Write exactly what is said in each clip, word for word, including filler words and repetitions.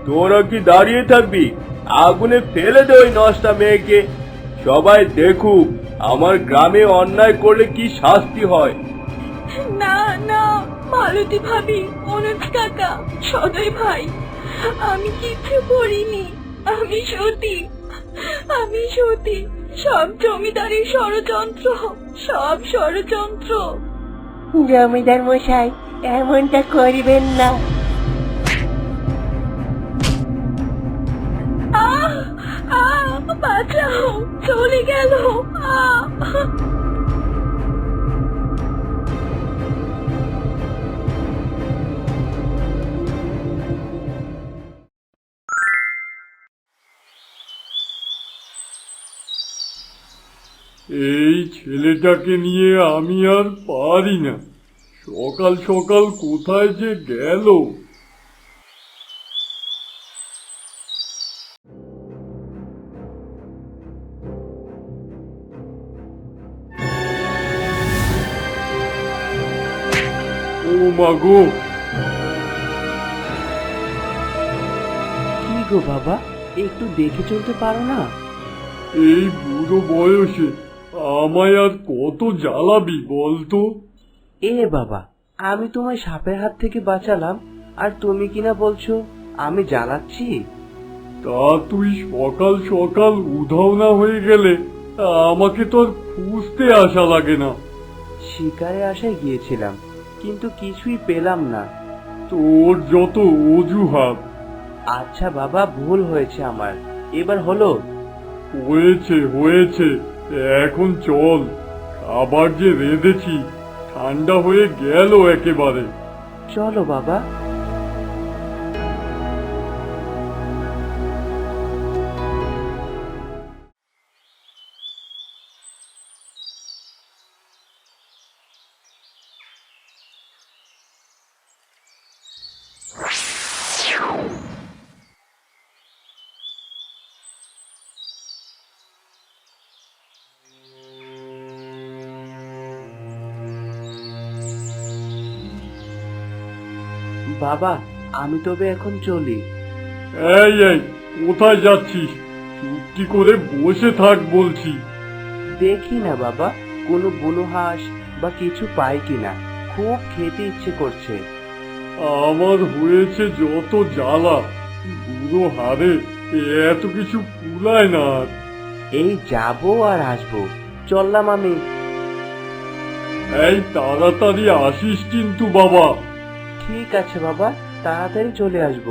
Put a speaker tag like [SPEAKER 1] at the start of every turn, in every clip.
[SPEAKER 1] তোরা কি দাঁড়িয়ে থাকবি? আগুনে ফেলে দে ওই নষ্টা মেয়েকে। সবাই দেখুক আমার গ্রামে অন্যায় করলে কি শাস্তি হয়।
[SPEAKER 2] না না, মালতী ভাবি, অনুজ কাকা, সদয় ভাই, আমি কিচ্ছু করিনি। আমি সতী, আমি সতী। সব জমিদারের ষড়যন্ত্র, সব ষড়যন্ত্র।
[SPEAKER 3] জমিদার মশাই, এমনটা করিবেন না।
[SPEAKER 2] আহ আহ, বাঁচাও, চলে গেল। আহ
[SPEAKER 4] এই ছেলেটাকে নিয়ে আমি আর পারি না। সকাল সকাল কোথায় যে গেল। ও মা গো!
[SPEAKER 5] কি গো বাবা, একটু দেখে চলতে পারো না?
[SPEAKER 4] এই বুড়ো বয়সে আমায় আর কত জ্বালাবি বলতো?
[SPEAKER 5] এ বাবা, আমি তোমায় সাপের হাত থেকে বাঁচালাম, আর তুমি কিনা বলছো আমি জ্বালাচ্ছি?
[SPEAKER 4] তা তুই সকাল সকাল উধাও না হয়ে গেলে আমাকে তো আর খুঁজতে আসা লাগে না।
[SPEAKER 5] শিকারে আসায় গিয়েছিলাম, কিন্তু কিছুই পেলাম না।
[SPEAKER 4] তোর যত অজুহাত।
[SPEAKER 5] আচ্ছা বাবা, ভুল হয়েছে আমার, এবার হলো?
[SPEAKER 4] হয়েছে হয়েছে, এখন চল। খাবার যে রেঁধেছি ঠান্ডা হয়ে গেল একেবারে।
[SPEAKER 5] চলো বাবা। বাবা, আমি তবে এখন চলি।
[SPEAKER 4] এই এই, কোথায় যাচ্ছিস? চুপটি করে বসে থাক বলছি।
[SPEAKER 5] দেখি না বাবা, কোনো বুনো হাঁস বা কিছু পাই কিনা, খুব খেতে ইচ্ছে করছে।
[SPEAKER 4] আমার হয়েছে যত জ্বালা, বুড়ো হারে এত কিছু কুলায় না আর।
[SPEAKER 5] এই যাবো আর আসবো, চললাম আমি।
[SPEAKER 4] এই তাড়াতাড়ি আসিস কিন্তু বাবা।
[SPEAKER 5] ঠিক আছে বাবা, তাড়াতাড়ি চলে আসবো।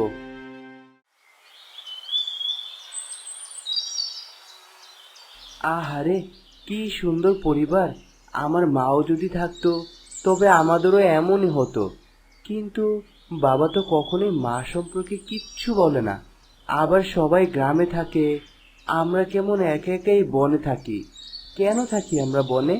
[SPEAKER 5] আহারে, কি সুন্দর পরিবার! আমার মাও যদি থাকতো তবে আমাদেরও এমনই হতো। কিন্তু বাবা তো কখনোই মা সম্পর্কে কিচ্ছু বলে না। আবার সবাই গ্রামে থাকে, আমরা কেমন একা একাই বনে থাকি। কেন থাকি আমরা বনে?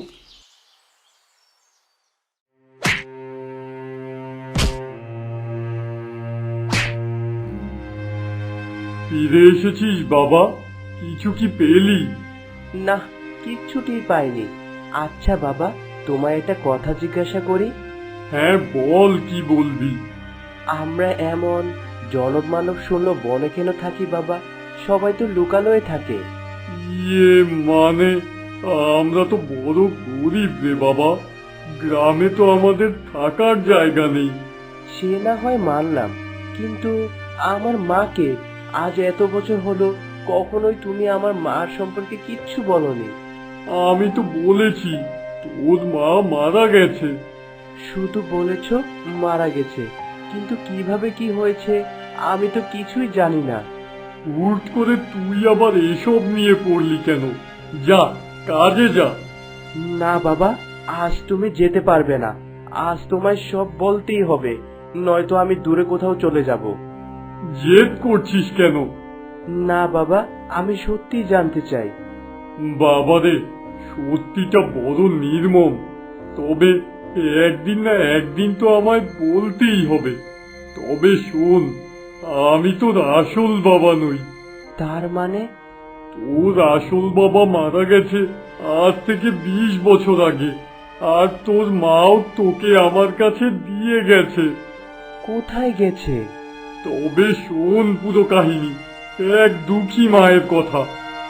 [SPEAKER 4] ফিরে এসেছিস বাবা? কিছু কি পেলি?
[SPEAKER 5] না, কিচ্ছুটি পাইনি। আচ্ছা বাবা, তোমায় একটা কথা জিজ্ঞাসা করি।
[SPEAKER 4] হ্যাঁ বল, কি বলবি?
[SPEAKER 5] আমরা এমন জনব মানব শূন্য বনে কেন থাকি বাবা? সবাই তো লুকানোয় থাকে।
[SPEAKER 4] ইয়ে মানে, আমরা তো বড় গরিব রে বাবা। গ্রামে তো আমাদের থাকার জায়গা নেই।
[SPEAKER 5] সে না হয় মানলাম, কিন্তু আমার মাকে আজ এত বছর হলো কখনোই তুমি আমার মার সম্পর্কে কিচ্ছু বলনি।
[SPEAKER 4] আমি তো বলেছি তোর মা মারা গেছে।
[SPEAKER 5] শুধু বলেছ মারা গেছে, কিন্তু কিভাবে কি হয়েছে আমি তো কিছুই জানি না।
[SPEAKER 4] হুট করে তুই আবার এসব নিয়ে পড়লি কেন? যা, কাজে যা।
[SPEAKER 5] না বাবা, আজ তুমি যেতে পারবে না। আজ তোমায় সব বলতেই হবে, নয়তো আমি দূরে কোথাও চলে যাব।
[SPEAKER 4] জেদ করছিস কেন?
[SPEAKER 5] না বাবা, আমি সত্যি জানতে চাই।
[SPEAKER 4] বাবারে, সত্যিটা বড় নির্মম। তবে একদিন না একদিন তো আমায় বলতেই হবে। তবে শোন, আমি তোর আসল বাবা নই।
[SPEAKER 5] তার মানে?
[SPEAKER 4] তোর আসল বাবা মারা গেছে আজ থেকে বিশ বছর আগে, আর তোর মাও তোকে আমার কাছে দিয়ে গেছে।
[SPEAKER 5] কোথায় গেছে?
[SPEAKER 4] তবে শোন পুরো কাহিনী, এক দুঃখী মায়ের কথা।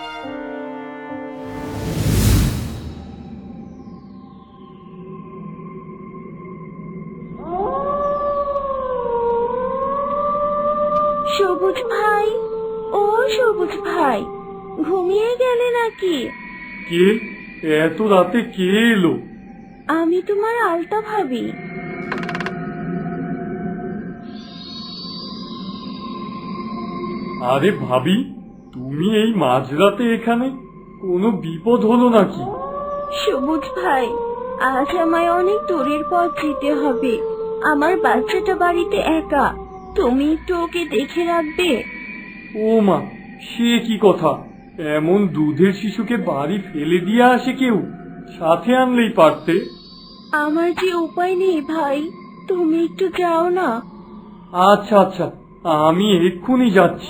[SPEAKER 2] সবুজ ভাই, ও সবুজ ভাই, ঘুমিয়ে গেলে নাকি?
[SPEAKER 4] কে এত রাতে কে এলো?
[SPEAKER 2] আমি তোমার আলতা ভাবি।
[SPEAKER 4] আরে ভাবি, তুমি এই মাঝরাতে এখানে? কোনো বিপদ হলো নাকি?
[SPEAKER 2] সবুজ ভাই, আজ আমায় অনেক দূরের পথ যেতে হবে। আমার বাচ্চাটা বাড়িতে একা, তুমি একটু ওকে দেখে রাখবে?
[SPEAKER 4] ও মা, সে কি কথা! এমন দুধের শিশুকে বাড়ি ফেলে দিয়ে আসে কেউ? সাথে আনলেই পারতে।
[SPEAKER 2] আমার যে উপায় নেই ভাই, তুমি একটু যাও না।
[SPEAKER 4] আচ্ছা আচ্ছা, আমি এক্ষুনি যাচ্ছি।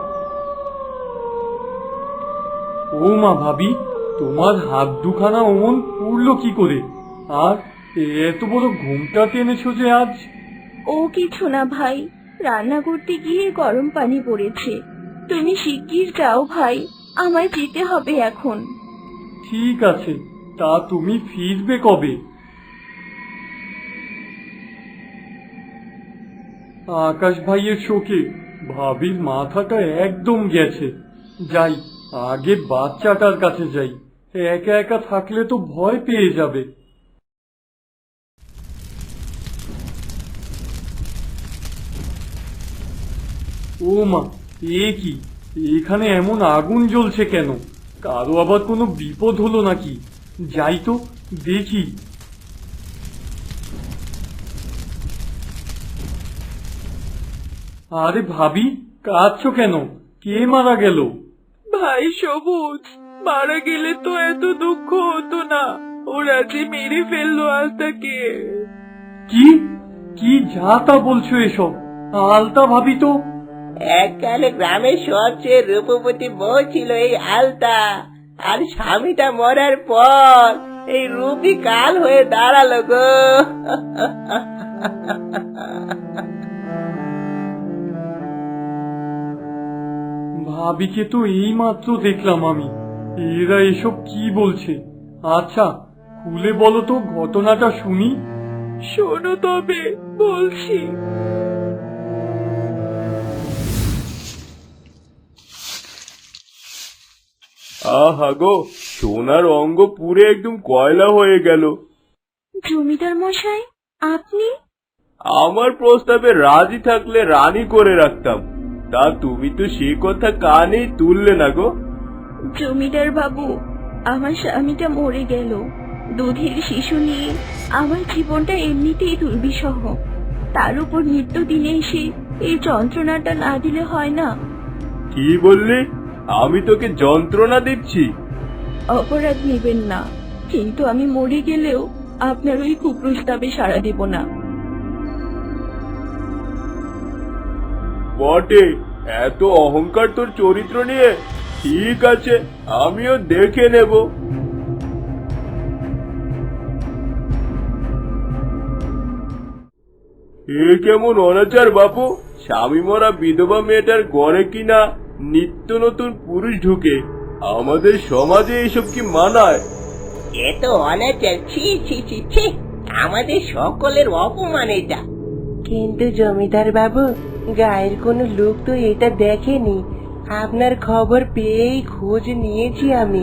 [SPEAKER 4] ও মা ভাবি, তোমার হাত দুখানা অমন পুড়লো কি করে? আর এত বড় ঘুমটা টেনেছো যে আজ?
[SPEAKER 2] ও কিছু না ভাই, রান্না করতে গিয়ে গরম পানি পড়েছে। তুমি শিগগির যাও ভাই, আমায় যেতে হবে এখন।
[SPEAKER 4] ঠিক আছে, তা তুমি ফিরবে কবে? আকাশ ভাইয়ের শোকে ভাবির মাথাটা একদম গেছে। যাই, আগে বাচ্চাটার কাছে যাই। একা একা থাকলে তো ভয় পেয়ে যাবে। ও মা, এ কি? এখানে এমন আগুন জ্বলছে কেন? কারো আবার কোনো বিপদ হলো নাকি? যাই তো দেখি। আরে ভাবি, কাঁদছো কেন? কে মারা গেল?
[SPEAKER 2] ভাই সবুজ, মারা গেলে তো এত দুঃখ হতো না। ওরা যে মেরে ফেললো আলতাকে।
[SPEAKER 4] কি কি যা তা বলছো এসব? আলতা ভাবি তো
[SPEAKER 3] এককালে গ্রামের সবচেয়ে রূপবতী বউ ছিল এই আলতা, আর স্বামীটা মরার পর এই রূপই কাল হয়ে দাঁড়ালো গো।
[SPEAKER 4] ভাবিকে তো এই মাত্র দেখলাম আমি। এরা এসব কি বলছে? আচ্ছা, খুলে বলো তো, ঘটনাটা শুনি।
[SPEAKER 2] শোনো তবে বলছি।
[SPEAKER 1] আহা গো, সোনার অঙ্গ পুরে একদম কয়লা হয়ে গেল।
[SPEAKER 2] জমিদার মশাই, আপনি?
[SPEAKER 1] আমার প্রস্তাবে রাজি থাকলে রানী করে রাখতাম, তা তুমি তো সে কথা কানেই তুললে না গো।
[SPEAKER 2] জমিদার বাবু, আমার স্বামীটা মরে গেল। দুধের শিশু নিয়ে আমার জীবনটা এমনিতেই দুর্বিষহ, তার উপর নিত্য দিনে এসে এই যন্ত্রণাটা না দিলে হয় না।
[SPEAKER 1] কি বললি? আমি তোকে যন্ত্রণা দিচ্ছি?
[SPEAKER 2] অপরাধ নেবেন না, কিন্তু আমি মরে গেলেও আপনার ওই কুপ্রস্তাবে সাড়া দেব না।
[SPEAKER 1] বটে, এত অহংকার তোর চরিত্র নিয়ে? ঠিক আছে, আমিও দেখে নেব। এ কেমন অনাচার বাপু! স্বামী মরা বিধবা মেয়েটার ঘরে কিনা নিত্য নতুন পুরুষ ঢুকে। আমাদের সমাজে এসব কি মানায়?
[SPEAKER 3] এ তো অনাচার, ছি ছি ছি ছি, আমাদের সকলের অপমান এটা। কিন্তু জমিদার বাবু, গায়ের কোনো লোক তো এটা দেখেনি। আপনার খবর পেয়েই খোঁজ নিয়েছি আমি।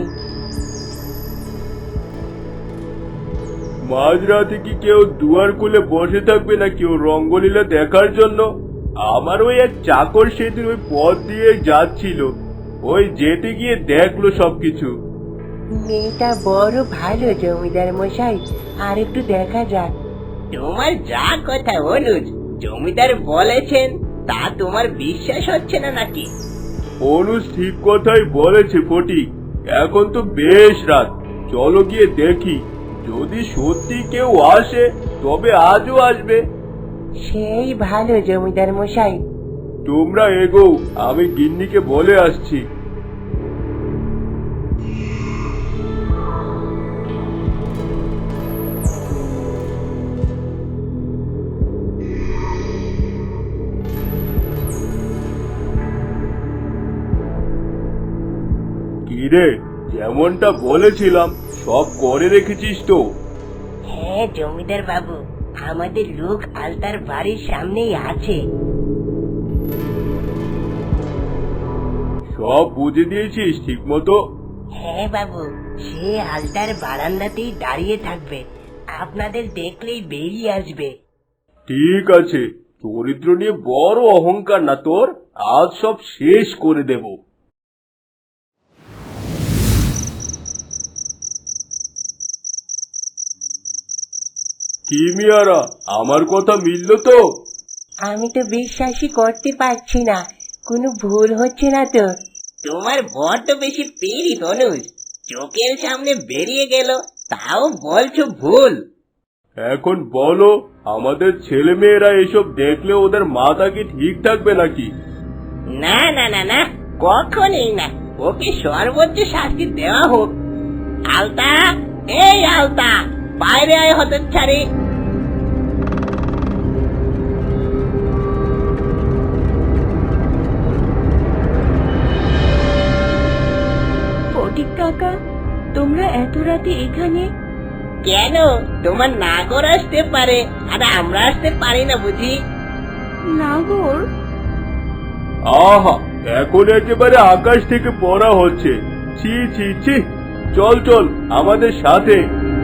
[SPEAKER 1] মাঝরাতে কি কেউ দুয়ার খুলে বসে থাকবে না কেউ রঙ্গলীলা দেখার জন্য? আমার ওই এক চাকর সেদিন ওই পথ দিয়ে যাচ্ছিল, ওই যেতে গিয়ে দেখলো সবকিছু।
[SPEAKER 3] মেয়েটা বড় ভালো জমিদার মশাই, আর একটু দেখা যাক। তোমার যা কথা অনুজ, জমিদার বলেছেন তা তোমার বিশ্বাস হচ্ছে না নাকি?
[SPEAKER 1] অনুজ ঠিক কথাই বলেছে ফটিক। এখন তো বেশ রাত, চলো গিয়ে দেখি। যদি সত্যি কেউ আসে তবে আজও আসবে।
[SPEAKER 3] সেই ভালো জমিদার মশাই।
[SPEAKER 1] তোমরা এগো, আমি গিন্নিকে বলে আসছি। কিরে, যেমনটা বলেছিলাম সব করে রেখেছিস তো?
[SPEAKER 3] হ্যাঁ জমিদার বাবু, আমাদের লোক আলতার বাড়ির সামনেই আছে।
[SPEAKER 1] সব বুঝে দিয়েছিস ঠিক মতো?
[SPEAKER 3] হ্যাঁ বাবু, সে আলতার বারান্দাতেই দাঁড়িয়ে থাকবে, আপনাদের দেখলেই বেরিয়ে আসবে।
[SPEAKER 1] ঠিক আছে, চরিত্র নিয়ে বড় অহংকার না তোর, আজ সব শেষ করে দেব। কি মিয়ারা, আমার কথা মিলল তো?
[SPEAKER 3] আমি তো বিশ্বাসই করতে পারছি না, কোনো ভুল হচ্ছে না তো। তোমার বর তো বেশি পেরি অনুজ, চোখের সামনে বেরিয়ে গেল তাও বলছো ভুল।
[SPEAKER 1] এখন বলো, আমাদের ছেলে মেয়েরা এসব দেখলে ওদের মাথা কি ঠিক থাকবে নাকি?
[SPEAKER 3] না না না না, কখনই না, ওকে সর্বোচ্চ শাস্তি দেওয়া হোক। আলতা, এই আলতা, বাইরে আয় হতচ্ছাড়ি।
[SPEAKER 2] ফটিক কাকা, তোমরা এত রাতে এখানে?
[SPEAKER 3] কেন, তোমার নাগর আসতে পারে আর আমরা আসতে পারি না বুঝি?
[SPEAKER 2] নাগর?
[SPEAKER 1] আহা, এখন একেবারে আকাশ থেকে পড়া হচ্ছে। ছি ছি ছি, চল চল আমাদের সাথে।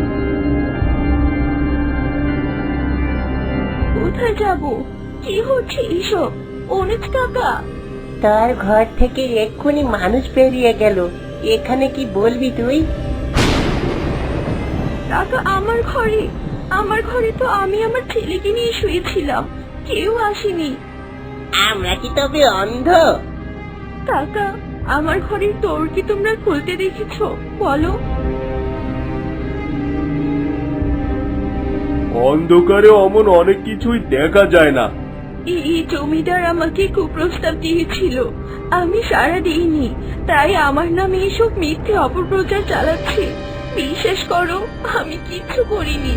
[SPEAKER 2] কোথায় যাব? কি হচ্ছে এসব? অনুজ কাকা,
[SPEAKER 3] তার ঘর থেকে এক্ষুনি মানুষ বেরিয়ে গেল, এখানে কি বলবি তুই?
[SPEAKER 2] কাকা আমার ঘরে, আমার ঘরে তো আমি আমার ছেলেকে নিয়ে শুয়েছিলাম, কেউ আসেনি।
[SPEAKER 3] আমরা কি তবে অন্ধ?
[SPEAKER 2] কাকা, আমার ঘরের দোর কি তোমরা খুলতে দেখেছো? বলো।
[SPEAKER 1] অন্ধকারে অমন অনেক কিছুই দেখা যায় না।
[SPEAKER 2] এই জমিদার আমাকে কুপ্রস্তাব দিয়েছিল, আমি সাড়া দিইনি, তাই আমার নামে এসব মিথ্যে অপপ্রচার চালাচ্ছে। বিশ্বাস করো, আমি কিচ্ছু করিনি।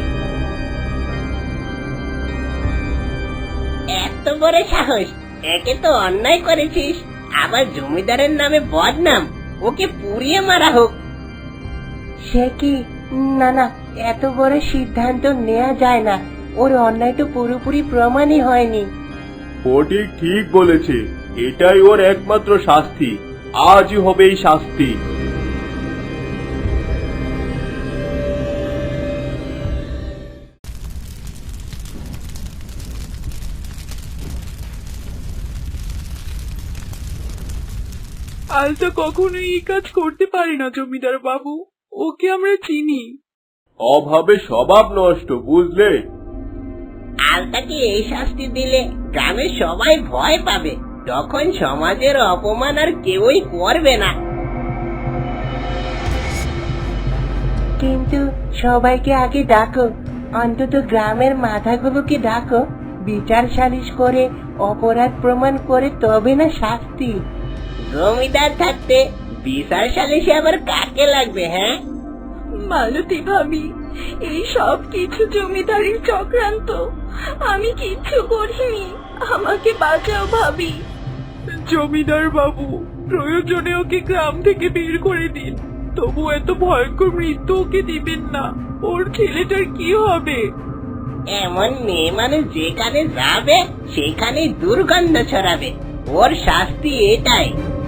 [SPEAKER 3] এত বড় সাহস! একে তো অন্যায় করেছিস, আবার জমিদারের নামে বদনাম, ওকে পুড়িয়ে মারা হোক। সে কি? না না, এত বড় সিদ্ধান্ত নেওয়া যায় না, ওর অন্যায় তো পুরোপুরি প্রমাণই হয়নি।
[SPEAKER 1] ফটিক ঠিক বলেছে, এটাই ওর একমাত্র শাস্তি, আজই হবে এই শাস্তি।
[SPEAKER 2] আলতা কখনোই এই কাজ করতে পারে না জমিদার বাবু, ওকে আমরা চিনি।
[SPEAKER 1] অভাবে স্বভাব নষ্ট, বুঝলে?
[SPEAKER 3] আলতাকে এই শাস্তি দিলে গ্রামের সবাই ভয় পাবে, তখন সমাজের অপমান আর কেউই করবে না। কিন্তু সবাইকে আগে ডাকো, অন্তত গ্রামের মাথাগুলোকে ডাকো, বিচার সালিশ করে অপরাধ প্রমাণ করে তবে না শাস্তি। জমিদার থাকতে বিচার সালিশে আবার কাকে লাগবে? হ্যাঁ
[SPEAKER 2] মালতী ভাবি, এই সব কিছু জমিদারির চক্রান্ত, আমি কিচ্ছু করিনি, আমাকে বাঁচাও ভাবি। জমিদার বাবু, প্রয়োজনে ওকে গ্রাম থেকে বের করে দিন, তবু এত ভয়ঙ্কর মৃত্যু ওকে দিবেন না, ওর ছেলেটার কি হবে?
[SPEAKER 3] এমন মেয়ে মানুষ যেখানে যাবে সেখানে দুর্গন্ধ ছড়াবে, ওর শাস্তি এটাই।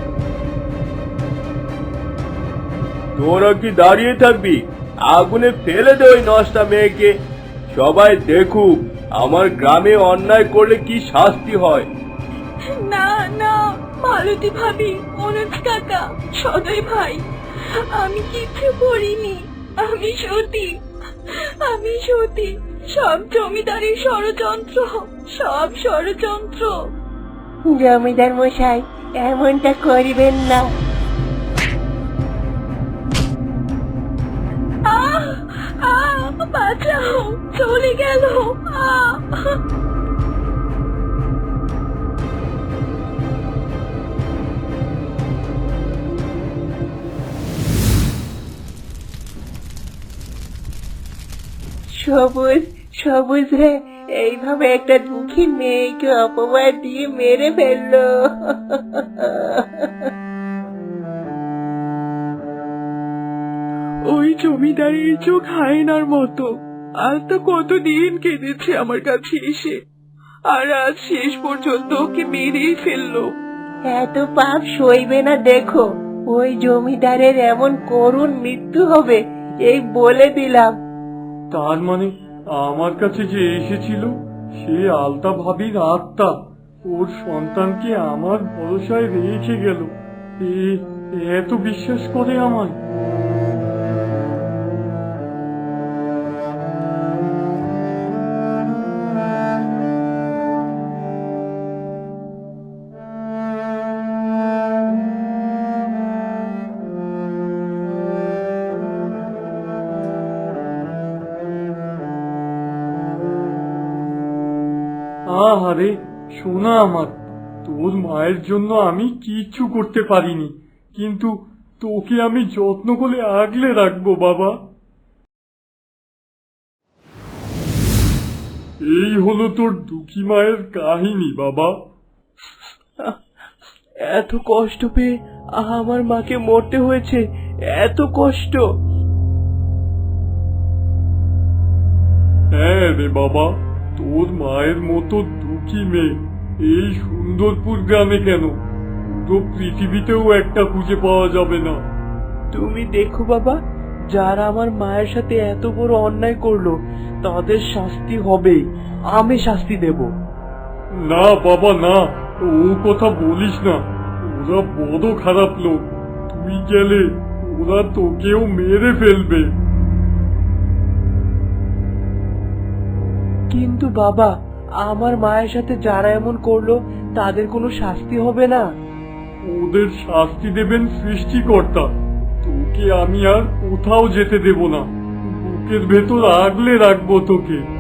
[SPEAKER 1] তোরা কি দাঁড়িয়ে থাকবি? আগুনে ফেলে দে ওই নষ্টা মেয়েকে। সবাই দেখুক আমার গ্রামে অন্যায় করলে কি শাস্তি হয়।
[SPEAKER 2] না না, মালতী ভাবি, অনুজ কাকা, সদয় ভাই, আমি কিচ্ছু করিনি, আমি সতী, আমি সতী, সব জমিদারের ষড়যন্ত্র, সব ষড়যন্ত্র।
[SPEAKER 3] জমিদার মশাই, এমনটা করিবেন না।
[SPEAKER 2] আহ আহ, বাঁচাও, চলে গেল। আহ
[SPEAKER 3] সবুজ, সবুজ রে, এইভাবে একটা দুঃখী মেয়েকে অপবাদ দিয়ে মেরে ফেললো।
[SPEAKER 6] জমিদারের চোখ হায়নার মতো। আজ তো কতদিন কেঁদেছে আমার কাছে এসে, আর আজ শেষ পর্যন্ত ওকে মেরেই ফেললো।
[SPEAKER 3] এত পাপ সইবে না, দেখো ওই জমিদারের এমন করুণ মৃত্যু হবে এই বলে দিলাম।
[SPEAKER 4] তার মানে আমার কাছে যে এসেছিল সে আলতা ভাবির আত্মা ওর সন্তানকে আমার ভরসায় রেখে গেল। এ এত বিশ্বাস করে আমায়। আহারে শোনা আমার, তোর মায়ের জন্য আমি কিচ্ছু করতে পারিনি, কিন্তু তোকে আমি যত্ন করে আগলে রাখবো বাবা। এই হলো তোর দুঃখী মায়ের কাহিনী বাবা।
[SPEAKER 5] এত কষ্ট পেয়ে আমার মাকে মরতে হয়েছে, এত কষ্ট।
[SPEAKER 4] হ্যাঁ রে বাবা, তোর মায়ের মতো দুঃখী মেয়ে এই সুন্দরপুর গ্রামে কেন, পুরো পৃথিবীতেও একটা খুঁজে পাওয়া যাবে না।
[SPEAKER 5] তুমি দেখো বাবা, যারা আমার মায়ের সাথে এত বড় অন্যায় করলো তাদের শাস্তি হবেই, আমি শাস্তি দেব।
[SPEAKER 4] না বাবা না, ও কথা বলিস না, ওরা বড় খারাপ লোক, তুই গেলে ওরা তোকেও মেরে ফেলবে।
[SPEAKER 5] কিন্তু বাবা, আমার মায়ের সাথে যারা এমন করলো তাদের কোনো শাস্তি হবে না?
[SPEAKER 4] ওদের শাস্তি দেবেন সৃষ্টিকর্তা, তোকে আমি আর কোথাও যেতে দেব না, বুকের ভেতর আগলে রাখবো তোকে।